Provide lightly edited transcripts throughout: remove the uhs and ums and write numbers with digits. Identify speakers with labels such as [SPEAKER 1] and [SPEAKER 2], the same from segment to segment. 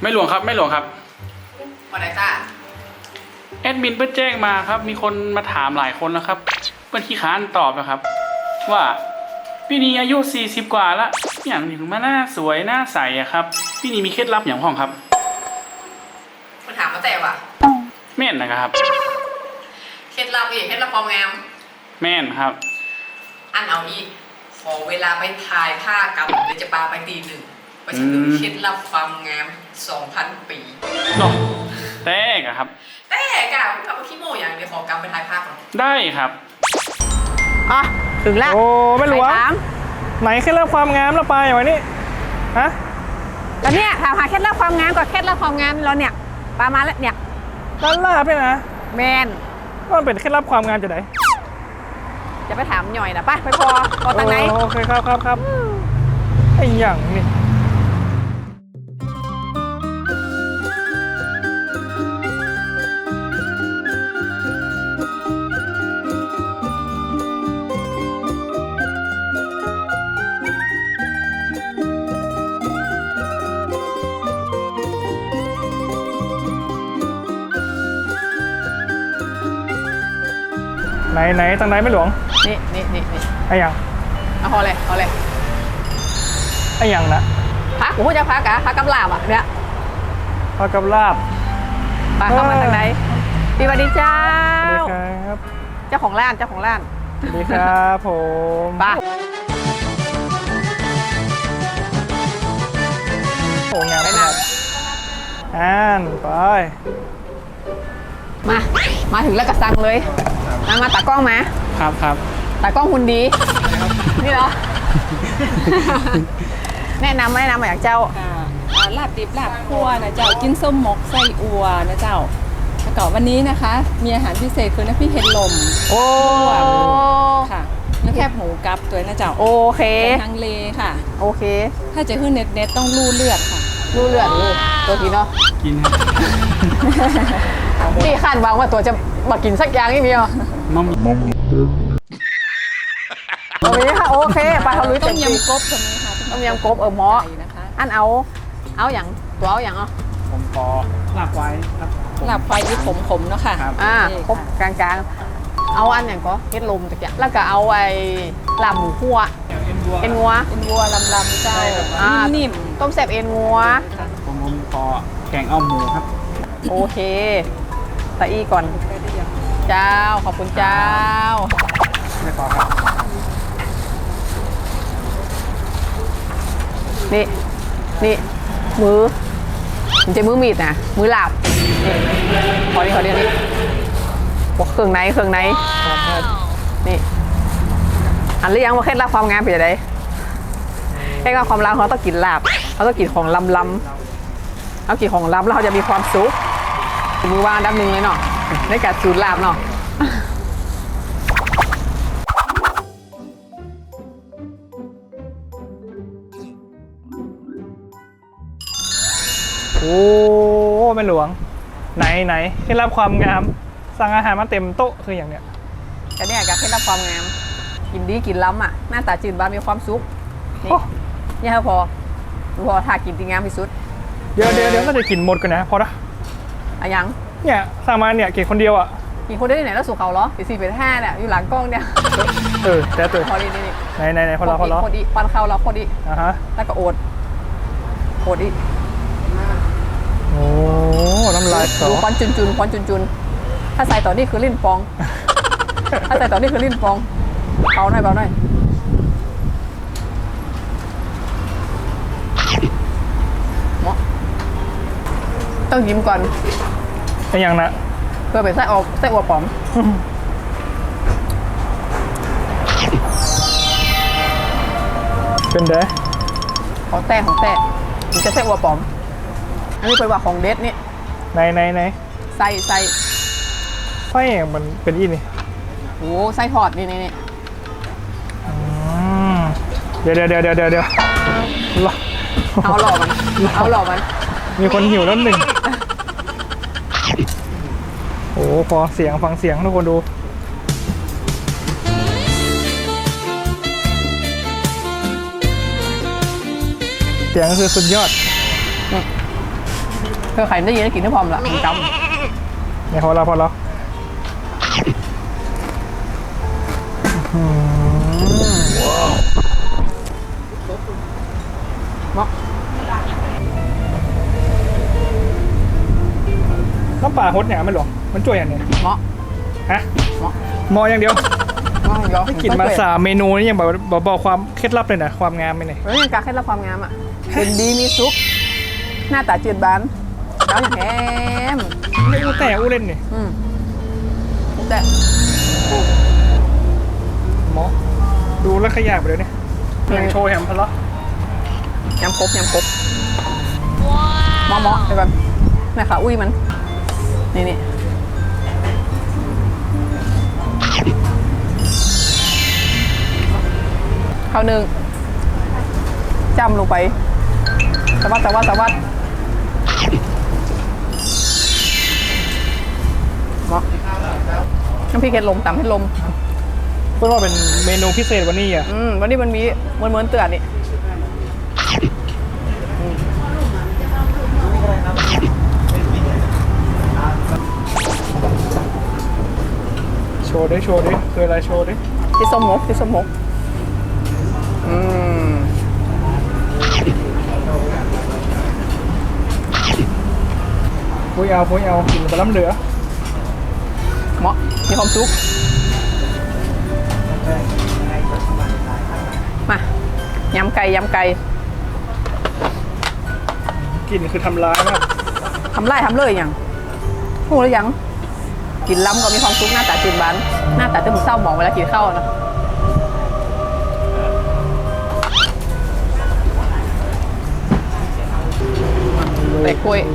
[SPEAKER 1] ไม่หลวงครับไม่หลวงครับ
[SPEAKER 2] วันไหนจ้า
[SPEAKER 1] แอดมินเพิ่งแจ้งมาครับมีคนมาถามหลายคนแล้วครับเพิ่งขี้ค้านตอบนะครับว่าพี่นีอายุ40กว่าแล้วอย่างถึงมาหน้าสวยหน้าใสอะครับพี่นีมีเคล็ดลับอย่างห้องครับ
[SPEAKER 2] มันถามมาแต่ว่ะ
[SPEAKER 1] แม่นนะครับ
[SPEAKER 2] เคล็ดลับอีกเคล็ดลับความงาม
[SPEAKER 1] แม่นครับ
[SPEAKER 2] อันเอาอีกขอเวลาไปถ่ายผ้ากำเดี๋ยวจะปาไปตีหนึ่งไปถึงเคล็ดลับความงาม 2,000 ปี
[SPEAKER 1] เนาะแต่ครับ
[SPEAKER 2] แต่กะคุณกลับมาขี้โม่อย่างเดี๋ยวขอกำไปถ่ายภาพก่อน
[SPEAKER 1] ได้ครับ
[SPEAKER 3] อ่ะถึงแล้ว
[SPEAKER 4] โอ้ไม่รู้ว่าไหนเคล็ดลับความงามแล้วไปอย่างนี้ฮะ
[SPEAKER 3] แล้วเนี่ยถามหาเคล็ดลับความงามกับเคล็ดลับความงามเราเนี่ยปามาแล้วเนี่ย
[SPEAKER 4] ร้านลาบเนี่ยนะ
[SPEAKER 3] แมน
[SPEAKER 4] มันเป็นเคล็ดลับความงามจะไหน
[SPEAKER 3] จะไปถามหน่อยนะไปพอทางไหน
[SPEAKER 4] โอเคครับไอ้อย่างนี่ไหนทางไหนไม่หลวง
[SPEAKER 3] นี่
[SPEAKER 4] ไอ้ยัง
[SPEAKER 3] เอาพอเลย
[SPEAKER 4] ไอ้ยังนะ
[SPEAKER 3] พักกูจะพักกับลาบอ่ะเนี่ย
[SPEAKER 4] พักกับลาบ
[SPEAKER 3] ไปเข้ามาทางไหนสวัสดีเจ้า
[SPEAKER 4] สวัสดีครับ
[SPEAKER 3] เจ้าของร้าน
[SPEAKER 4] สวัสดีครับผม
[SPEAKER 3] ไป
[SPEAKER 4] โอ้งาน
[SPEAKER 3] ไปนั่ง
[SPEAKER 4] ไป
[SPEAKER 3] มาถึงแล้วก็สั่งเลยมาตากล้องมา
[SPEAKER 4] ครับ
[SPEAKER 3] ตากล้องคุณดีนี่เหรอแนะนำมาอย่างเจ้า
[SPEAKER 5] ลาบดิบลาบคั่วนะเจ้ากินส้มหมกไส้อัวนะเจ้าแล้วก็วันนี้นะคะมีอาหารพิเศษคือน้ำพริกเห็ดลม
[SPEAKER 3] โอ้
[SPEAKER 5] ค่ะน้ำแคบหมูกับตัวนะเจ้า
[SPEAKER 3] โอเค
[SPEAKER 5] ทางเลค่ะ
[SPEAKER 3] โอเค
[SPEAKER 5] ถ้าจะขึ้นเน็ตต้องลู่เลือดค่ะ
[SPEAKER 3] ลู่เลือดเลยตัวกินเนาะ
[SPEAKER 1] กินครับ
[SPEAKER 3] นี่คาดหวังว่าตัวจะมากินสักอย่างนี่มีอ่ะ
[SPEAKER 1] มัม
[SPEAKER 3] ตรงนี้ค่ะโอเคไปเขาลุย
[SPEAKER 5] ต้มยำกบตรงนี้ค่ะ
[SPEAKER 3] ต้มยำกบหม้ออันเอาอย่างตัวเอาอย่าง
[SPEAKER 4] ผมขอลาบไว้ครับ
[SPEAKER 5] ลาบควายที่ขมๆเนาะค่ะ
[SPEAKER 3] ครบกลางๆเอาอันอย่างก็เฮ็ดลมตะเกียบแล้วก็เอาไอ้ลาบหมูคั่วเอ็นงัว
[SPEAKER 5] ลำเจ้านิ่ม
[SPEAKER 3] ต้มแซ่บเอ็นงัว
[SPEAKER 4] ผมขอแกงเอาหมูครับ
[SPEAKER 3] โอเคตะอี้ก่อนเจ้าขอบคุณเจ้า
[SPEAKER 4] ไม่ขอครับ
[SPEAKER 3] นี่มือมันจะมือมีดนะมือหลาบนี่ขอเดี๋ยวนี้บอกเครื่องไหนนี่อันหรือยังว่าเคล็ดลับความงามเป็นยังไงเคล็ดลับความงามเขาต้องกินลาบเขาต้องกินของลำเอากินของลำแล้วเขาจะมีความสุขมือวางดับหนึ่งเลยเนาะในการสูตรลาบเนาะ
[SPEAKER 4] โอ้แม่หลวงไหนเคล็ดลับความงามสั่งอาหารมาเต็มโต๊ะคืออย่างเนี้ย
[SPEAKER 3] ก็เนี่ยกับเคล็ดลับความงามกินดีกินล้ำอ่ะหน้าตาจืดบ้านมีความสุขนี่พอถ้ากินดีงามที่สุด
[SPEAKER 4] เดี๋ยวน่าจะกินหมดกันนะพอละ
[SPEAKER 3] อะยัง
[SPEAKER 4] เนี่ยสั่งมาเนี่ยกินคนเดียวอ่ะ
[SPEAKER 3] กินคนเดียวที่ไหนแล้วสุขเขาเหรอ4-5เนี่ยอยู่หลังกล้องเนี่ย
[SPEAKER 4] แต่ตัว
[SPEAKER 3] พอดี
[SPEAKER 4] ไหนคนละ
[SPEAKER 3] พอดีปันเข้าเราพอดีแล้วก็โอดอีก
[SPEAKER 4] โอ้น้ำลาย
[SPEAKER 3] ดูควันจุนถ้าใส่ต่อนี่คือลิ้นฟองเอาหน่อยต้องยิ้มก่อน
[SPEAKER 4] เป็นอย่างนะ
[SPEAKER 3] เพื่อเป็นไส้อัวปอม
[SPEAKER 4] เป็นเด้
[SPEAKER 3] ของแต่มันจะไส้อัวปอมอันนี้เป็นว่าของเด็ดนี่
[SPEAKER 4] ไหน
[SPEAKER 3] ไส้
[SPEAKER 4] ไส้มันเป็นอีนี่
[SPEAKER 3] โอ้ไส้ทอดนี่
[SPEAKER 4] เดี๋ยว
[SPEAKER 3] เอาหล่อมัน
[SPEAKER 4] มีคนหิวแล้วหนึ่งโอ้พอฟังเสียงทุกคนดู เสียงคือสุดยอด
[SPEAKER 3] เพื่อใครได้ยินได้กินที่พร้อมละจ
[SPEAKER 4] เนี่ยพอแล้ว
[SPEAKER 3] ำเนาะ
[SPEAKER 4] น้ำปลาฮดเนี่ยไม่หลวงมันจ่วยอย่างเนี้ย
[SPEAKER 3] เนาะ
[SPEAKER 4] ฮะ
[SPEAKER 3] เนาะ
[SPEAKER 4] มออย่างเดียว
[SPEAKER 3] เนาะยอ
[SPEAKER 4] กินมา3 เมนูนี่ยังบอกความเคล็ดลับเลยนะความงามไม่ไหน
[SPEAKER 3] แล้วยังการเคล็ดลับความงามอ่ะเป็นดีมีซุปหน้าตาจืดบานแล้วอย่างแฮม
[SPEAKER 4] ไม่อู้แต่อู้เล่นนี่
[SPEAKER 3] แต่
[SPEAKER 4] หมอดูแล้วขยะไปเลยเนี่ยยังโชว์แฮมพะเลาะ
[SPEAKER 3] ยำครบเหมาะไอ้แบบนี่ค่ะอุ้ยมันนี่ข้าวหนึ่งจำลงไปสวัสดเหมาะน้ำพริกเห็ดลมตำเห็ดลม
[SPEAKER 4] เพื่อนว่าเป็นเมนูพิเศษวันนี้อ่ะ
[SPEAKER 3] วันนี้มันมีเหมือนเตือนนี่
[SPEAKER 4] โชว์ดิคืออะไรโชว์ดิ
[SPEAKER 3] ที่ส้มมก
[SPEAKER 4] ปุ้ยเอากินไปล้ำเหลือ
[SPEAKER 3] เหมาะมีความสุขมายำไก่
[SPEAKER 4] กินคือทำร้ายมาก
[SPEAKER 3] ทำเลยอย่างพูดแล้วยังกินล้ำก็มีความสุขหน้าตาจืดบานหน้าตาจะเหมือนเศร้าหมองเวลากินข้าวนะเตะกล้วย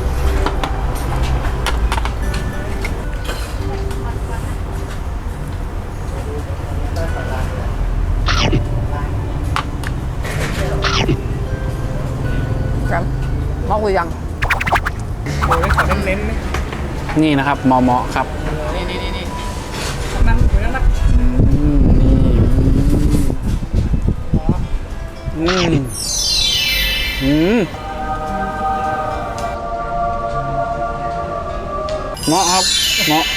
[SPEAKER 3] ครับมอกหรือยัง
[SPEAKER 4] โชว์ได้ขอเน้นๆนี่
[SPEAKER 1] นี่นะครับเหมาะครับ
[SPEAKER 3] นี่
[SPEAKER 4] นั่งเหมือนนัก
[SPEAKER 1] เหมาะครับเหมาะ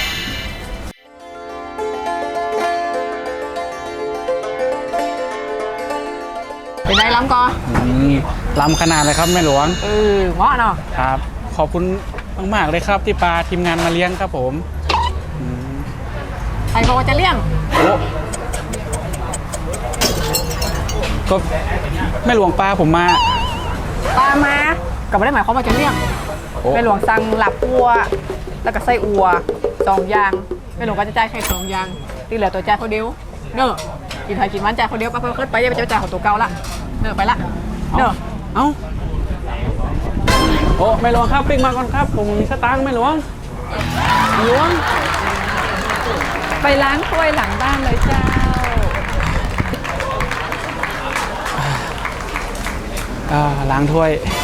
[SPEAKER 3] เป็นไงล้ำก่อน
[SPEAKER 1] ล้ำขนาดเลยครับแม่หลวง
[SPEAKER 3] เหมาะเนาะ
[SPEAKER 1] ครับ ขอบคุณมากๆเลยครับที่ปลาทีมงานมาเลี้ยงครับผม
[SPEAKER 3] ใครบอกว่าจะเลี้ยง
[SPEAKER 1] โอ้ก็แม่หลวงปลาผมมา
[SPEAKER 3] ปลามาก็ไม่ได้หมายความว่าจะเลี้ยง
[SPEAKER 1] โอ้
[SPEAKER 3] แม่หลวงสั่งหลับอัวแล้วก็ไส้อัว2 อย่างแม่หลวงก็จะจ่ายแค่2 อย่างที่เหลือตัวจ่ายคนเดียวเนอะกินไทยกินมันจ่ายคนเดียวไปขึ้นไปอย่าไปจ่ายของตัวเก่าละเนอะไปละเนอะ
[SPEAKER 1] เอ้าโอ้แม่หลวงครับปิ้งมาก่อนครับผมมีสตางค์แม่หลวง
[SPEAKER 3] ล้วง
[SPEAKER 5] ไปล้างถ้วยหลังบ้านเลยเจ้า
[SPEAKER 1] ล้างถ้วย